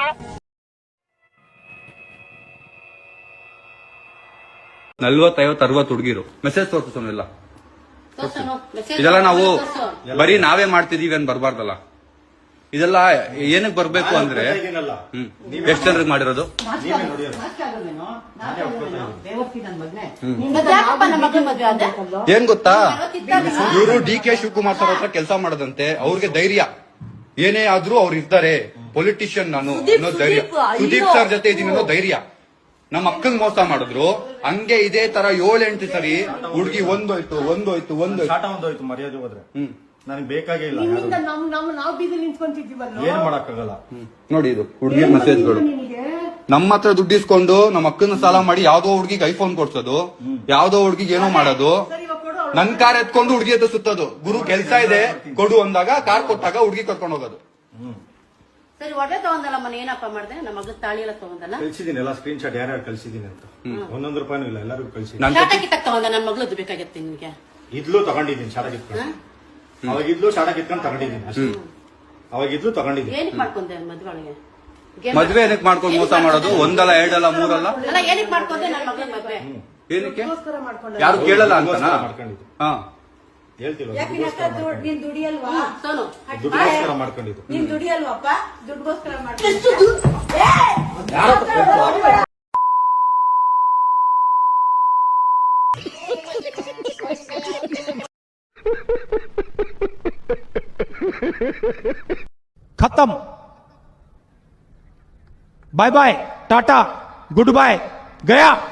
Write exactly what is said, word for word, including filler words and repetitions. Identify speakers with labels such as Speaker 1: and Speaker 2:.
Speaker 1: ನಲ್ವತ್ತೈವತ್ತು ಅರವತ್ತು ಹುಡುಗಿರು ಮೆಸೇಜ್ ತೋರಿಸೋನೆಲ್ಲ ಇದೆಲ್ಲ ನಾವು ಬರೀ ನಾವೇ ಮಾಡ್ತಿದೀವಿ ಅಂತ ಬರ್ಬಾರ್ದಲ್ಲ. ಇದೆಲ್ಲ ಏನಕ್ಕೆ ಬರ್ಬೇಕು ಅಂದ್ರೆ ಹ್ಮ್ ಎಷ್ಟು ಜನರಿಗೆ ಮಾಡಿರೋದು ಏನ್ ಗೊತ್ತಾ, ಇವರು ಡಿ ಕೆ ಶಿವಕುಮಾರ್ ಸರ್ ಹತ್ರ ಕೆಲಸ ಮಾಡದಂತೆ. ಅವ್ರಿಗೆ ಧೈರ್ಯ ಏನೇ ಆದ್ರೂ ಅವ್ರು ಇರ್ತಾರೆ, ಪೊಲಿಟಿಷಿಯನ್ ನಾನು ಅನ್ನೋ ಧೈರ್ಯ, ಸುದೀಪ್ ಸರ್ ಜೊತೆ ಇದೀನಿ ಅನ್ನೋ ಧೈರ್ಯ. ನಮ್ಮ ಅಕ್ಕಂಗ್ ಮೋಸ ಮಾಡಿದ್ರು ಹಂಗೆ ಇದೇ ತರ ಏಳೆಂಟು ಸರಿ ಹುಡುಗಿ ಒಂದೋಯ್ತು ಒಂದೋಯ್ತು ಒಂದೋಯ್ತು
Speaker 2: ಮರ್ಯಾದೆ ಹೋದ್ರೆ ಹ್ಮ್ ನನಗೆ ಬೇಕಾಗೇ ಇಲ್ಲ. ಏನ್ ಮಾಡಕ್ಕಾಗಲ್ಲ
Speaker 1: ನೋಡಿ, ಇದು ಹುಡುಗಿ ಮೆಸೇಜ್ಗಳು. ನಮ್ಮ ಹತ್ರ ದುಡ್ಡು ಇಸ್ಕೊಂಡು ನಮ್ಮ ಅಕ್ಕನ ಸಾಲ ಮಾಡಿ ಯಾವ್ದೋ ಹುಡುಗಿಗೆ ಐಫೋನ್ ಕೊಡ್ಸೋದು, ಯಾವ್ದೋ ಹುಡುಗಿಗೆ ಏನೋ ಮಾಡೋದು, ನನ್ ಕಾರ್ ಎತ್ಕೊಂಡು ಹುಡುಗಿ ಹತ್ರ ಸುತ್ತೋದು. ಗುರು ಕೆಲ್ಸ ಇದೆ ಕೊಡು ಅಂದಾಗ ಕಾರ್ ಕೊಟ್ಟಾಗ ಹುಡುಗಿ ಕರ್ಕೊಂಡು ಹೋಗೋದು.
Speaker 3: ಸರಿ, ಒಡೆ ತಗೊಂಡಲ್ಲ ಮನೆ ಏನಪ್ಪ ಮಾಡಿದೆ, ನಮ್ಮ ಮಗ ತಾಳಿ ಎಲ್ಲ ತಗೊಂಡಲ್ಲ
Speaker 2: ಕಳ್ಸಿದೀನಿ, ಎಲ್ಲ ಸ್ಕ್ರೀನ್ ಶಾಟ್ ಯಾರ್ಯಾರು ಕಳ್ಸಿದೀನಿ ಅಂತ. ಒಂದೊಂದು ರೂಪಾಯಿನೂ ಇಲ್ಲ, ಎಲ್ಲರಿಗೂ ಕಳ್ಸಿದೀನಿ.
Speaker 3: ಶಾಟ ಕಿತ್ತಕ್ ತಗೊಂಡ ನನ್ನ ಮಗಳದ್ದು ಬೇಕಾಗಿತ್ತು ನಿನ್ಗೆ.
Speaker 2: ಇದ್ಲು ತಗೊಂಡಿದ್ದೀನಿ ಶಾಟ ಕಿತ್ಕೊಂಡು, ಅವಾಗ ಇದ್ಲು ಶಾಟ ಕಿತ್ಕೊಂಡು ತಗೊಂಡಿದ್ದೀನಿ ಅಷ್ಟೇ. ಅವಾಗ ಇದ್ಲು ತಗೊಂಡಿದ್ದೀನಿ.
Speaker 3: ಏನಕ್ಕೆ ಮಾಡ್ಕೊಂಡೆ ಮದ್ವೆ ಒಳಗೆ?
Speaker 1: ಮದ್ವೆ ಏನಕ್ಕೆ ಮಾಡ್ಕೊಂಡು ಮೋಸ ಮಾಡೋದು? ಒಂದಲ್ಲ ಎರಡಲ್ಲ ಮೂರಲ್ಲ.
Speaker 3: ಅಲ್ಲ, ಏನಕ್ಕೆ ಮಾಡ್ಕೊಂಡೆ ನನ್ನ ಮಗಳ ಮದ್ವೆ?
Speaker 1: ಏನಕ್ಕೆ ಯಾರು ಕೇಳಲ್ಲ ಅಂತ
Speaker 2: ಮಾಡ್ಕೊಂಡಿದ್ದು.
Speaker 1: ಹಾ
Speaker 2: ಹೇಳ್ತಿಲ್ಲ,
Speaker 4: ನೀನ್ ದುಡಿಯಲ್ವಾ?
Speaker 2: ದುಡ್ಡುಗೋಸ್ಕರ ಮಾಡ್ಕೊಂಡಿದ್ದು.
Speaker 4: ನೀನ್ ದುಡಿಯಲ್ವಪ್ಪ? ದುಡ್ಡುಗೋಸ್ಕರ ಮಾಡ್ಕೊಂಡು
Speaker 5: खत्म, bye bye, tata, goodbye, गया।